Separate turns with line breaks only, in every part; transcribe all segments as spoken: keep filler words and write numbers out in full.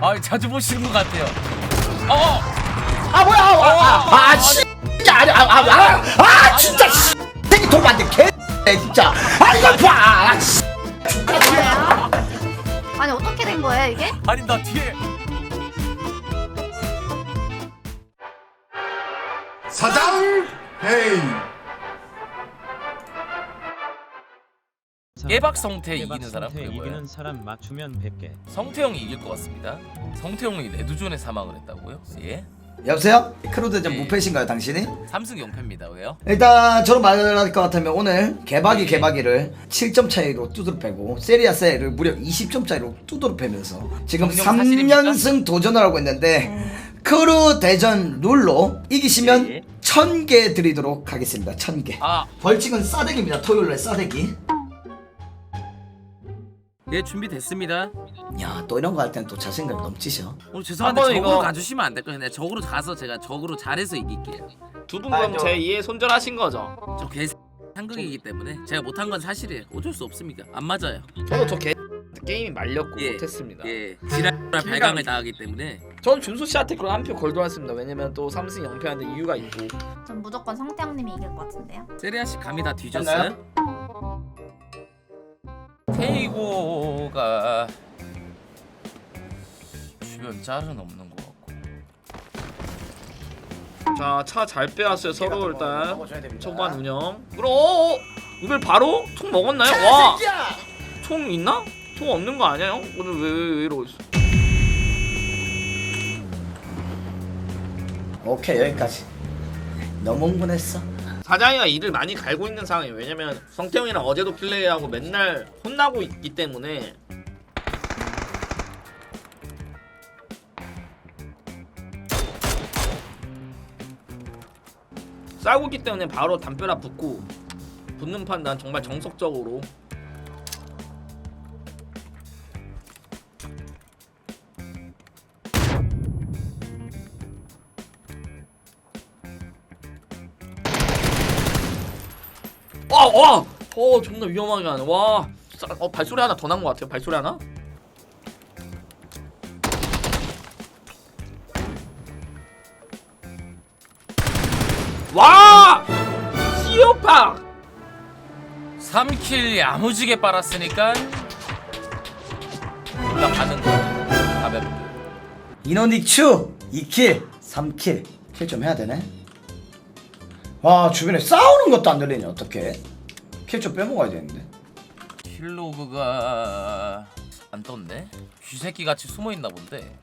아 자주 보시는 것 같아요. 어.
아 뭐야? 아, 아, 아, 아, 씨. 아니, 아, 아, 아, 아, 진짜 씨. 생이 도망데 개. 진짜. 아 이거 봐. 아, 씨.
아니 어떻게 된 거예요 이게?
아니 나 뒤에
사장 헤이
깨박 성태 이기는
깨박
사람
성태
그게 뭐예요?
이기는 사람 맞추면 백 개.
성태형이 이길 것 같습니다. 성태형이 레드존에 사망을 했다고요? 예?
여보세요? 크루대전
예.
무패신가요 당신이?
삼승 영 패입니다. 왜요?
일단 저로 말할 것 같으면 오늘 개박이
예.
개박이를 칠 점 차이로 두드러 패고 세리아세를 무려 이십 점 차이로 두드러 패면서 지금
정령
삼
사실입니까?
연승 도전을 하고 있는데 크루대전 룰로 이기시면
예.
천 개 드리도록 하겠습니다. 천 개.
아,
벌칙은 싸대기입니다. 토요일날 싸대기.
예 준비됐습니다.
야, 또 이런 거 할 때는 또 자신감 넘치셔.
오늘 죄송한데
한번
적으로
이거-
가주시면 안 될까요? 그냥 적으로 가서 제가 적으로 잘해서 이길게요.
두 분 그럼 제 이해 손절하신 거죠?
저 개 상극이기 때문에 제가 못한 건 사실이에요. 어쩔 수 없습니까? 안 맞아요.
저도 저 개 게임이 말렸고
예.
못했습니다.
예, 지랄 발광을 당하기 때문에
저는 준수 씨한테 그런 한 표 걸도놨습니다. 왜냐면 또 삼승 영 패하는데 이유가 있고.
전 무조건 성태형님이 이길 것 같은데요.
세리아 씨 감이 다 뒤졌어요? 케이고가 주변 짤은 없는 것 같고.
자, 차 잘 빼왔어요. 서로 일단 초반 운영. 그럼 어, 어, 이걸 바로 총 먹었나요? 와, 총 있나? 총 없는 거 아니야 형? 오늘 왜, 왜, 왜 이러고 있어?
오케이, 여기까지. 너무 흥분했어.
사장이가 이를 많이 갈고 있는 상황이에요. 왜냐면 성태형이랑 어제도 플레이하고 맨날 혼나고 있기 때문에. 싸우고 있기 때문에 바로 담벼락 붙고 붙는 판단 정말 정석적으로. 와, 와! 어, 존나 위험하게 하네. 와. 싸- 어, 발소리 하나 더 난 것 같아요. 발소리 하나? 와! 시오팍!
삼 킬 야무지게 빨았으니까 올라가는 거야. 가볍게.
이노닉추 이 킬, 삼 킬. 킬 좀 해야 되네. 와, 주변에 싸우는 것도 안 들리네. 어떡해. 킬 좀 빼먹어야 되는데.
킬로그가 안 떴네. 쥐새끼 같이 숨어 있나 본데.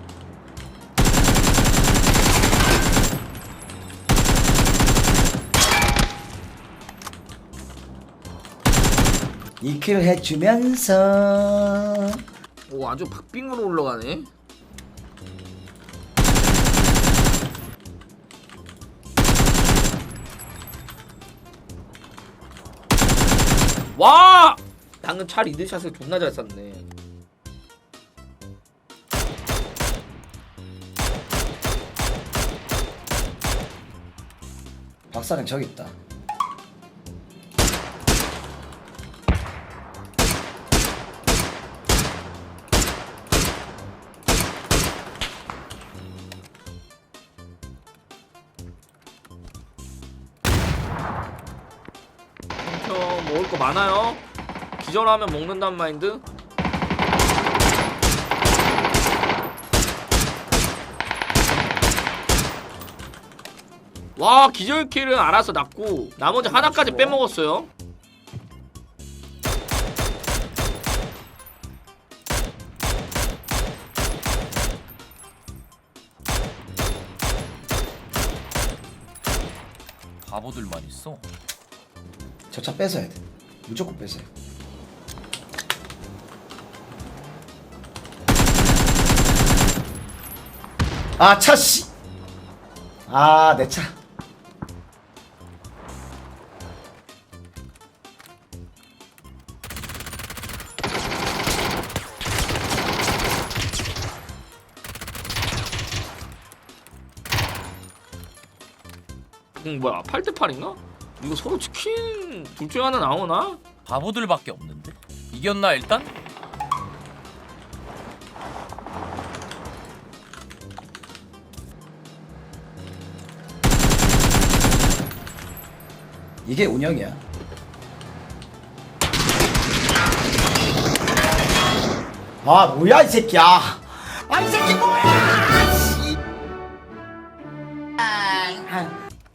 이 킬 해주면서
오, 아주 박빙으로 올라가네. 와! 방금 차 리드샷을 존나 잘 쐈네.
박사는 저기 있다.
형 먹을 거 많아요. 기절하면 먹는단 마인드. 와, 기절킬은 알아서 났고 나머지 하나까지 빼먹었어요.
바보들만 있어.
저 차 뺏어야 돼. 무조건 뺏어야 돼. 아, 차 씨. 아, 내 차.
음, 뭐야, 팔 대 팔인가? 이거 서로 치킨 둘 중에 하나 나오나?
바보들밖에 없는데. 이겼나 일단?
이게 운영이야. 아 뭐야 이 새끼야. 아 이 새끼 뭐야. 씨. 아.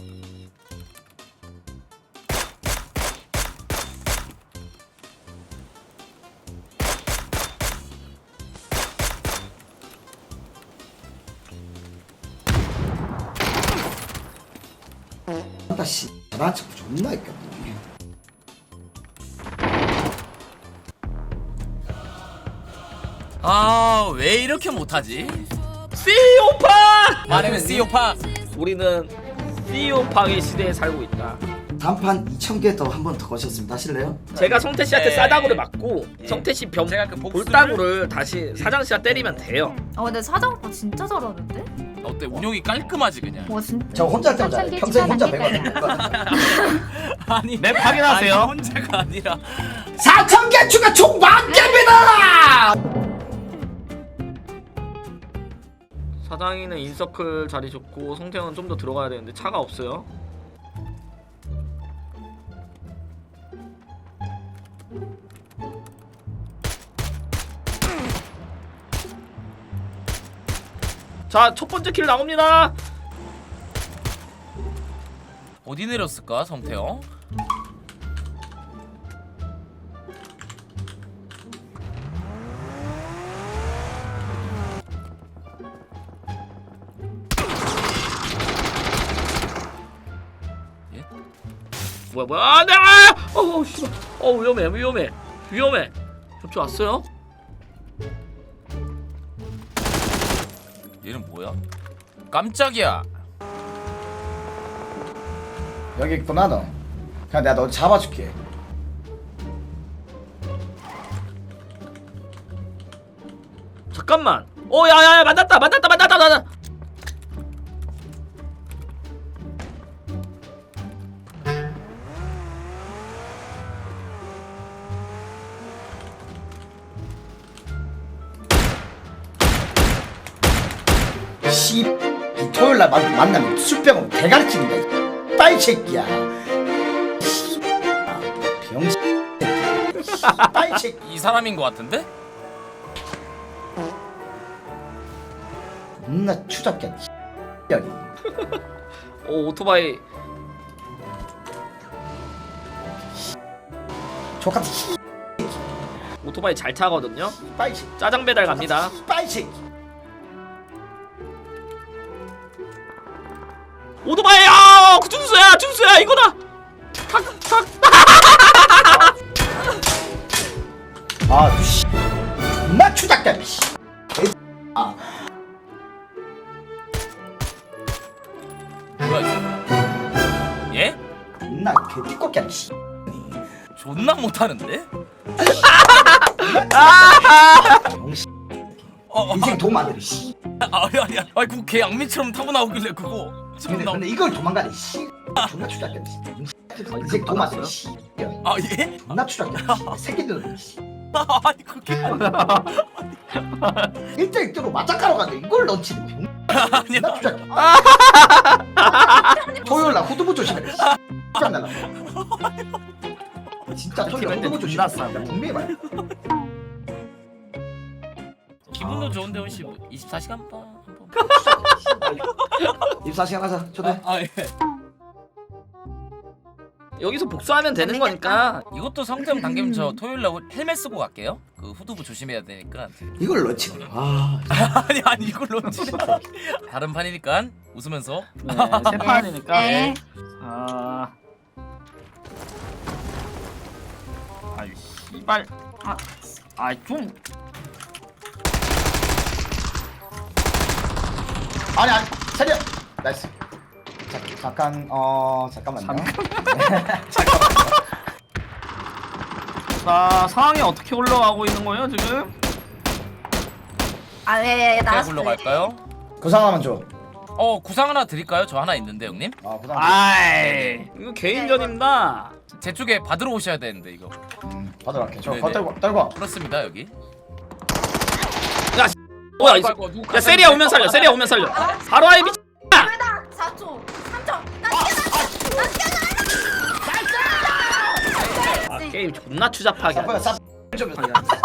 나 씨, 나 참 존나 있겠네.
아 왜 이렇게 못하지?
씨오파!
말하면 씨오파.
우리는 씨오파의 시대에 살고 있다.
단판 이천 개 더 한 번 더 거셨습니다. 하실래요?
제가 성태 씨한테
네.
싸다구를 맞고
네.
성태 씨 병,
제가 그 복수를-
볼따구를 다시 사장 씨가 때리면 돼요.
어 근데 사장 오빠 진짜 잘하는데?
어때 운영이 깔끔하지 그냥.
와 진짜.
저 혼자 할 때마다 잘해. 평생 혼자 배워야
아니
맵 확인하세요.
아니, 혼자가 아니라
사천 개 추가 총 만 개입니다.
사장이는 인서클 자리 좋고 성태형은 좀 더 들어가야 되는데 차가 없어요. 자, 첫 번째 킬 나옵니다.
어디 내렸을까 성태형? 예?
뭐야 뭐야? 아, 네! 아! 어우 씨발. 어 위험해 위험해 위험해. 접촉 왔어요?
얘는 뭐야? 깜짝이야.
여기 있구나 너. 그냥 내가 너 잡아줄게.
잠깐만. 어 야야야 만났다 만났다 만났다 만났다.
씨, 이 토요일 날 만- 만나면 술병으로 대가리 찌는다. 이 빨 새끼야. 씨, 아, 병신 새끼야. 빨 새끼.
이 사람인 것 같은데?
겁나 추잡게. 여기.
오 오토바이.
족같은 씨,
오토바이 잘 타거든요.
빨 새끼.
짜장 배달 갑니다.
빨 새끼.
오토바이야! 그 준수야 준수야 이거다. 탁탁.
아, 그 씨. 존나 추잡게. 씨. 개 아,
뭐야 이거? 예?
존나 개띠껍게 씨.
존나 못하는데?
병신.
어,
인생 도움 안 되네. 씨.
아, 아니 아니 아니 그거 개 양미처럼 타고 나오길래 그거 지금
근데,
나.
근데 이걸 도망가네. 씨. 존나 추잡게. 인생 도움 안 되네. 씨.
아 예?
존나 추잡게. 새끼들은 씨.
아니 그게
일 대 일 대로 맞짱가러 가는데 이걸 런치는 병.
아니야.
존나 추잡게. 토요일 날 후두부 조심해. 씨. 짱 날라. 진짜 토요일 날 후두부 조심해. 분명히 말해.
기분도 좋은데 혹시 뭐 이십사 시간 반 한번.
이십사 시간 하자. 초대.
아 예.
여기서 복수하면 되는 거니까.
이것도 성태형 당기면 저 토요일 날 헬멧 쓰고 갈게요. 그 후두부 조심해야 되니까.
이걸 런치네. 아.
아니 아니 이걸로 진짜. 다른 판이니까 웃으면서.
네, 세 판이니까.
네.
아. 아이 씨발. 아, 아 좀.
아니 아니. 차려. 나이스. 자, 잠깐 어 잠깐만요.
자 상황이 어떻게 올라가고 있는 거예요 지금?
아예예
어떻게
나.
불러갈까요?
구상 하나만 줘.
어 구상 하나 드릴까요? 저 하나 있는데 형님.
아 구상.
아이 이거 개인전입니다.
제 쪽에 받으러 오셔야 되는데 이거.
음, 받으러 갈게. 저
네네.
거 떨고 떨고.
그렇습니다 여기.
뭐야 이
아이고, 누가
야 세리야 오면 살려 세리야 오면 살려. 바로 아이 미친.
둘다 사 초 삼 초. 나 뛰어났어. 나 뛰어났어.
게임 존나 추잡하게
사포
하네.
사포 좀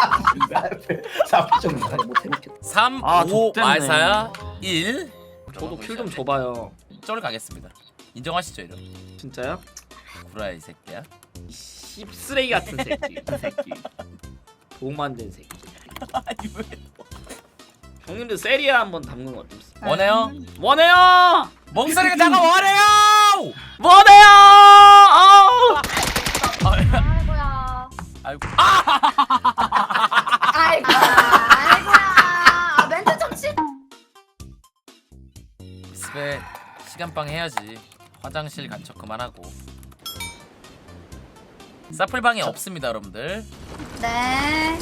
사포 좀
삼,
아,
오,
족됐네.
말사야 일.
저도 킬 좀 줘봐요.
쩔 가겠습니다. 인정하시죠 이런.
진짜요?
구라야 이 새끼야.
씹쓰레기 같은 새끼. 이 새끼. 돈 만든 새끼.
아니 왜?
형님들 세리아 한번 담는 거 어떻습니까?
원해요?
원해요!
멍소리가 잠깐 원해요!
원해요! 아우!
아이고야.
아이고. 아!
아이고. 아이고야. 아, 멘트 좀 치.
집에 시간빵 해야지. 화장실 간척 그만하고. 사플방이 없습니다, 여러분들.
네.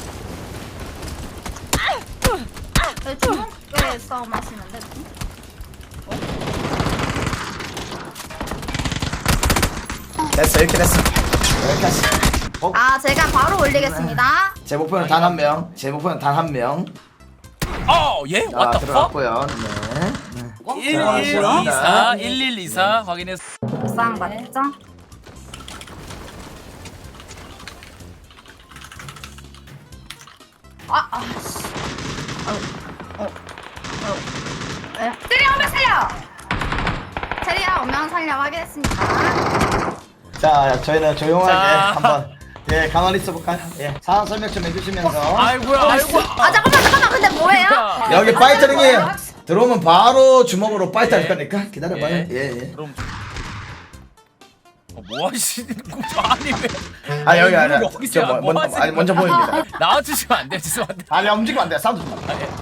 왜 중국에 싸움 하시는데?
됐어 이렇게 됐어 여기까지. 어?
아, 제가 바로 올리겠습니다.
제 목표는 단 한 명. 제 목표는 단 한 명.
어, 예?
자
What the fuck?
들어갔고요. 네.
일 일 이 사 일 일 이 사 확인했어.
옥상 맞죠? 아, 아, 씨. 어, 어, 어. 에? 테리야 오면 살려! 테리야 오면 살려 확인했습니다.
자 저희는 조용하게
자.
한번 예 가만히 있어볼까요? 예 상황 설명 좀 해주시면서
아이고야, 아이고.
아, 잠깐만, 잠깐만, 근데 뭐예요?
여기 파이터링이에요. 들어오면 바로 주먹으로 파이터 할 거니까 기다려봐요.
예.
예 예.
그럼 어, 뭐 하시는 거죠? 아니 왜?
아 여기 아니
여기서
저
뭐
먼저
하시는
아니 먼저 보입니다.
나와주시면 안 돼요, 죄송한데.
아니 움직이면 안 돼. 사운드 좀 나.
아, 예.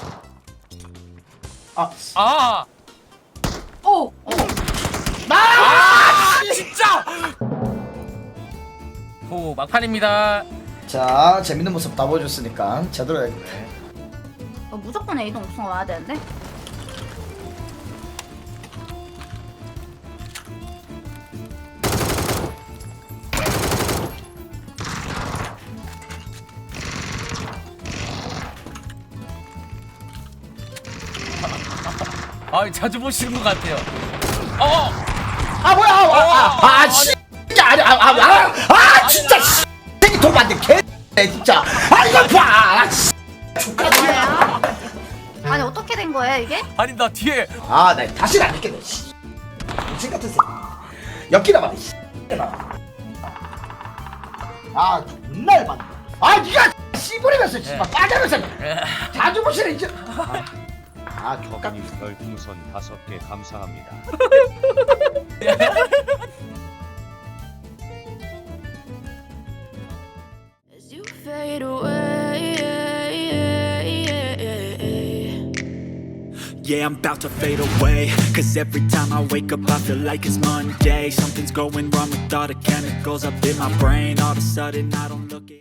아
아,
오! 오!
아, 진짜. 오, 막판입니다.
자 재밌는 모습 다 보여줬으니까 제대로 해야겠네.
어, 무조건 A동 옥상 와야 되는데?
아, 자주 보시는 것 같아요. 어,
아 뭐야? 아아 씨. 아니 아아 아 진짜 씨. 생이 도움 안돼 개. 진짜. 아 이거 봐. 아, 씨.
뭐예요? 아니, 어떻게 된 거예요, 이게?
아니 나 뒤에
아, 나 다시는 안 믿겠네. 씨. 미친 같은 새끼. 엮이나 봐. 씨. 아, 존나 열받네. 아, 니가 씨부리면서 씨발 빠져면서 자주 보시네 이제. 아, 아 족같.
버거님 별풍선 다섯 개 감사합니다.
As you fade away,
Yeah, I'm about to fade away. Cause every time I wake up, I feel like it's Monday. Something's going wrong with all the chemicals up in my brain. All of a sudden, I don't look it.